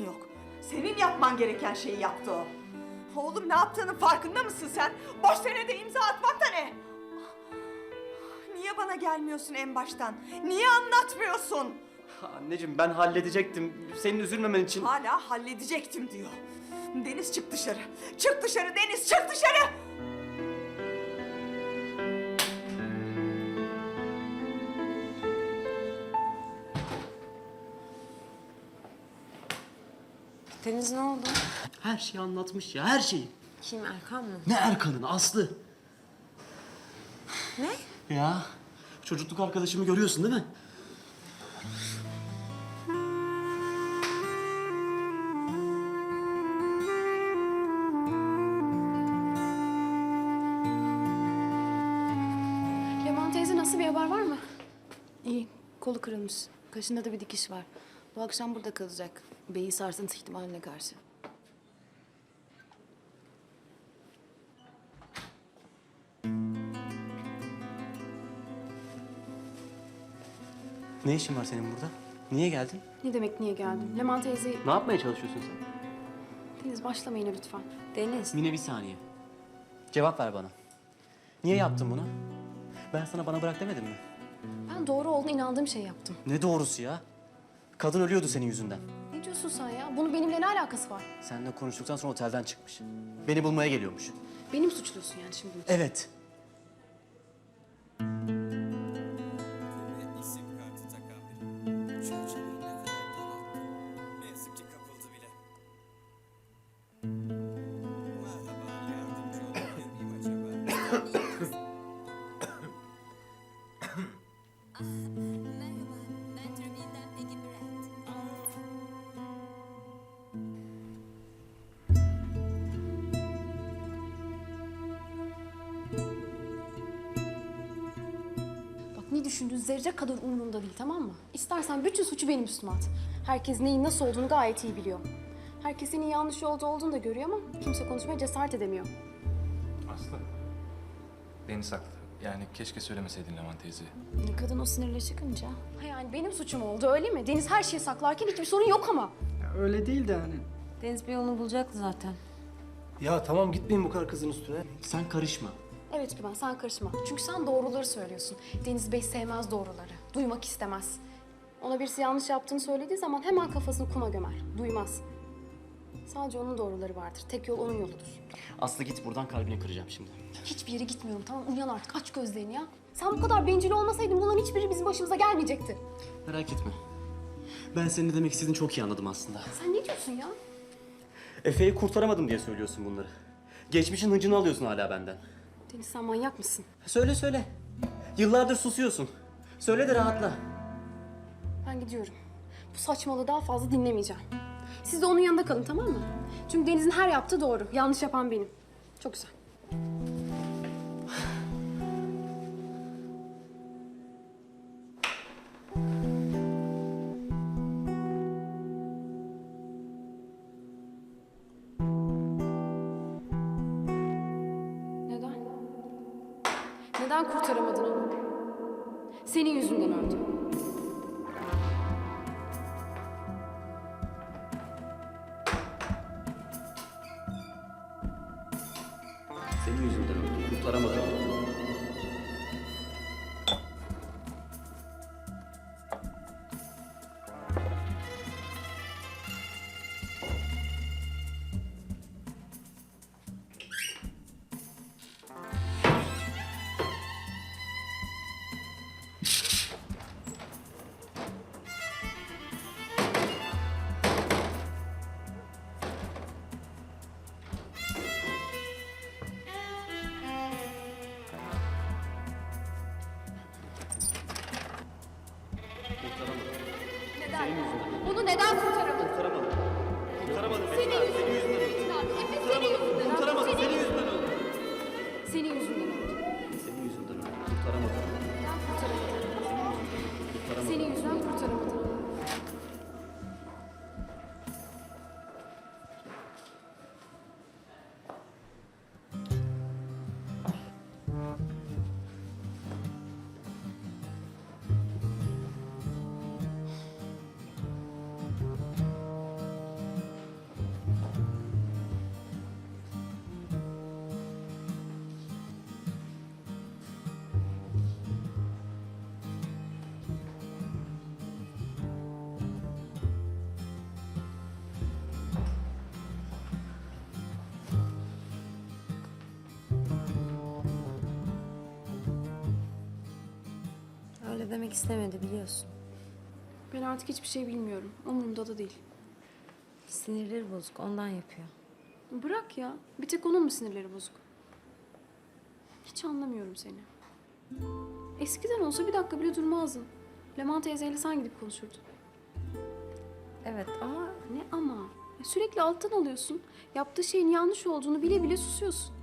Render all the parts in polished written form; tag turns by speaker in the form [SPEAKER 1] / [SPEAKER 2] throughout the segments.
[SPEAKER 1] yok. Senin yapman gereken şeyi yaptı o. Oğlum ne yaptığının farkında mısın sen? Boş senede imza atmak da ne? Niye bana gelmiyorsun en baştan? Niye anlatmıyorsun?
[SPEAKER 2] Anneciğim ben halledecektim. Senin üzülmemen için.
[SPEAKER 1] Hala halledecektim diyor. Deniz çık dışarı. Çık dışarı Deniz, çık dışarı!
[SPEAKER 3] Deniz ne oldu?
[SPEAKER 2] Her şeyi anlatmış ya, her şeyi.
[SPEAKER 3] Kim, Erkan mı?
[SPEAKER 2] Ne Erkan'ın, Aslı.
[SPEAKER 3] Ne?
[SPEAKER 2] Ya çocukluk arkadaşımı görüyorsun değil mi?
[SPEAKER 4] Leman teyze nasıl, bir haber var mı?
[SPEAKER 5] İyi, kolu kırılmış. Kaşında da bir dikiş var. Bu akşam burada kalacak. Beyi sarsıntı ihtimaline karşı.
[SPEAKER 2] Ne işin var senin burada? Niye geldin?
[SPEAKER 4] Ne demek niye geldim? Leman teyze...
[SPEAKER 2] Ne yapmaya çalışıyorsun sen?
[SPEAKER 4] Deniz başlama yine lütfen.
[SPEAKER 3] Deniz.
[SPEAKER 2] Mine bir saniye. Cevap ver bana. Niye yaptın bunu? Ben sana bana bırak demedim mi?
[SPEAKER 4] Ben doğru olduğuna inandığım şeyi yaptım.
[SPEAKER 2] Ne doğrusu ya? Kadın ölüyordu senin yüzünden.
[SPEAKER 4] Ne diyorsun sen ya? Bunun benimle ne alakası var?
[SPEAKER 2] Seninle konuştuktan sonra otelden çıkmış. Beni bulmaya geliyormuş.
[SPEAKER 4] Benim suçluyorsun yani şimdi.
[SPEAKER 2] Evet.
[SPEAKER 6] İsim kartı takan biri. Çerçeveyi ne kadar daralttı. Ne yazık ki kapıldı bile. Merhaba, yardımcı olabilir miyim acaba?
[SPEAKER 7] Merhaba, ben Tribünden Peggy Brand.
[SPEAKER 4] Bak ne düşündüğün zerre kadar umurumda değil, tamam mı? İstersen bütün suçu benim üstüme at. Herkes neyin nasıl olduğunu gayet iyi biliyor. Herkes senin yanlış yolda olduğunu da görüyor ama kimse konuşmaya cesaret edemiyor.
[SPEAKER 8] Aslı. Deniz haklı. Yani keşke söylemeseydin Leman teyze.
[SPEAKER 5] Kadın o sinirle çıkınca.
[SPEAKER 4] Ha yani benim suçum oldu öyle mi? Deniz her şeyi saklarken hiçbir sorun yok ama.
[SPEAKER 9] Öyle değil de hani.
[SPEAKER 3] Deniz bir yolunu bulacaktı zaten.
[SPEAKER 9] Ya tamam gitmeyin bu kadar kızın üstüne.
[SPEAKER 2] Sen karışma.
[SPEAKER 4] Evet Güven, sen karışma. Çünkü sen doğruları söylüyorsun. Deniz Bey sevmez doğruları. Duymak istemez. Ona birisi yanlış yaptığını söylediği zaman hemen kafasını kuma gömer. Duymaz. Sadece onun doğruları vardır. Tek yol onun yoludur.
[SPEAKER 2] Aslı git buradan, kalbini kıracağım şimdi.
[SPEAKER 4] Hiçbir yere gitmiyorum, tamam? Uyan artık, aç gözlerini ya. Sen bu kadar bencil olmasaydın bunların hiçbiri bizim başımıza gelmeyecekti.
[SPEAKER 2] Merak etme. Ben senin ne demek istediğini çok iyi anladım aslında.
[SPEAKER 4] Sen ne diyorsun ya?
[SPEAKER 2] Efe'yi kurtaramadım diye söylüyorsun bunları. Geçmişin hıncını alıyorsun hala benden.
[SPEAKER 4] Deniz sen manyak mısın?
[SPEAKER 2] Söyle söyle. Yıllardır susuyorsun. Söyle de rahatla.
[SPEAKER 4] Ben gidiyorum. Bu saçmalığı daha fazla dinlemeyeceğim. Siz de onun yanında kalın, tamam mı? Çünkü Deniz'in her yaptığı doğru. Yanlış yapan benim. Çok güzel. Neden? Neden kurtaramadın onu? Senin yüzünden öldü.
[SPEAKER 2] Senin yüzünden öldüm. Kurtaramadım.
[SPEAKER 3] söylemek istemedi biliyorsun.
[SPEAKER 4] Ben artık hiçbir şey bilmiyorum. Umurumda da değil.
[SPEAKER 3] Sinirleri bozuk ondan yapıyor.
[SPEAKER 4] Bırak ya. Bir tek onun mu sinirleri bozuk? Hiç anlamıyorum seni. Eskiden olsa bir dakika bile durmazdın. Leman teyzeyle sen gidip konuşurdun.
[SPEAKER 3] Evet ama
[SPEAKER 4] Ne ama? Sürekli alttan alıyorsun. Yaptığı şeyin yanlış olduğunu bile bile susuyorsun.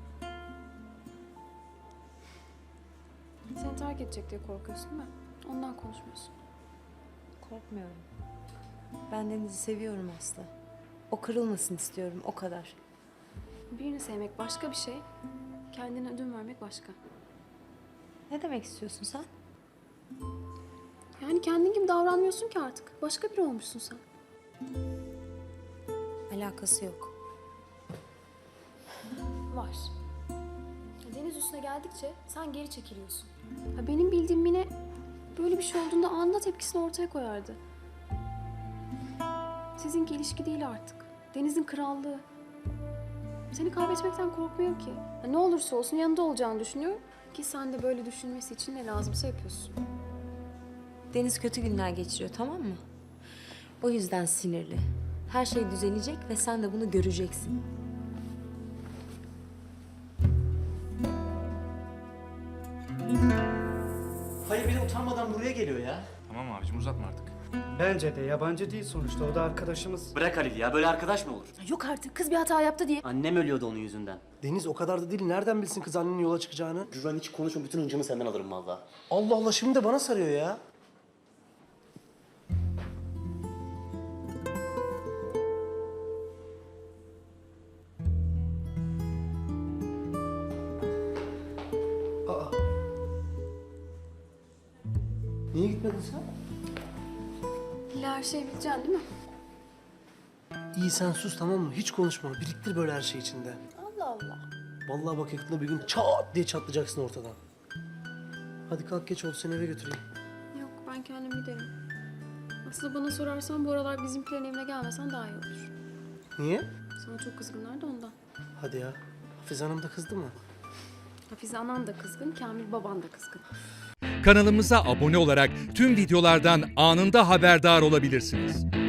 [SPEAKER 4] Seni terk edecek diye korkuyorsun değil mi? Ondan konuşmuyorsun.
[SPEAKER 3] korkmuyorum. Ben Deniz'i seviyorum Aslı. O kırılmasın istiyorum o kadar.
[SPEAKER 4] Birini sevmek başka bir şey. Kendine ödün vermek başka.
[SPEAKER 3] Ne demek istiyorsun sen?
[SPEAKER 4] Yani kendin gibi davranmıyorsun ki artık. Başka biri olmuşsun sen.
[SPEAKER 3] Alakası yok.
[SPEAKER 4] Var. Deniz üstüne geldikçe sen geri çekiliyorsun. Benim bildiğim Mine böyle bir şey olduğunda anında tepkisini ortaya koyardı. Sizinki ilişki değil artık. Deniz'in krallığı. Seni kaybetmekten korkmuyor ki. Ne olursa olsun yanında olacağını düşünüyor ki sen de böyle düşünmesi için ne lazımsa yapıyorsun.
[SPEAKER 3] Deniz kötü günler geçiriyor tamam mı? O yüzden sinirli. Her şey düzelecek ve sen de bunu göreceksin.
[SPEAKER 2] Hayır bir de utanmadan buraya geliyor ya.
[SPEAKER 8] Tamam abicim uzatma artık.
[SPEAKER 9] Bence de yabancı değil sonuçta. O da arkadaşımız.
[SPEAKER 2] Bırak Halil ya böyle arkadaş mı olur?
[SPEAKER 4] Yok artık kız bir hata yaptı diye.
[SPEAKER 2] Annem ölüyordu onun yüzünden.
[SPEAKER 9] Deniz o kadar da değil. Nereden bilsin kız annenin yola çıkacağını?
[SPEAKER 2] Güven hiç konuşma bütün hıncımı senden alırım valla.
[SPEAKER 9] Allah Allah şimdi de bana sarıyor ya. Aa. Niye gitmedin sen?
[SPEAKER 4] İlla her şeyi bileceksin değil mi?
[SPEAKER 9] İyi sen sus tamam mı? Hiç konuşma. Biriktir böyle her şey içinde.
[SPEAKER 4] Allah Allah.
[SPEAKER 9] Vallahi bak yakında bir gün çat diye çatlayacaksın ortadan. Hadi kalk geç oldu seni eve götüreyim.
[SPEAKER 4] Yok ben kendim giderim. Aslında bana sorarsan bu aralar bizimkilerin evine gelmesen daha iyi olur.
[SPEAKER 9] Niye?
[SPEAKER 4] Sana çok kızgınlar da ondan.
[SPEAKER 9] Hadi ya. Hafize Hanım da kızdı mı?
[SPEAKER 4] Hafize anan da kızgın, Kamil baban da kızgın.
[SPEAKER 10] Kanalımıza abone olarak tüm videolardan anında haberdar olabilirsiniz.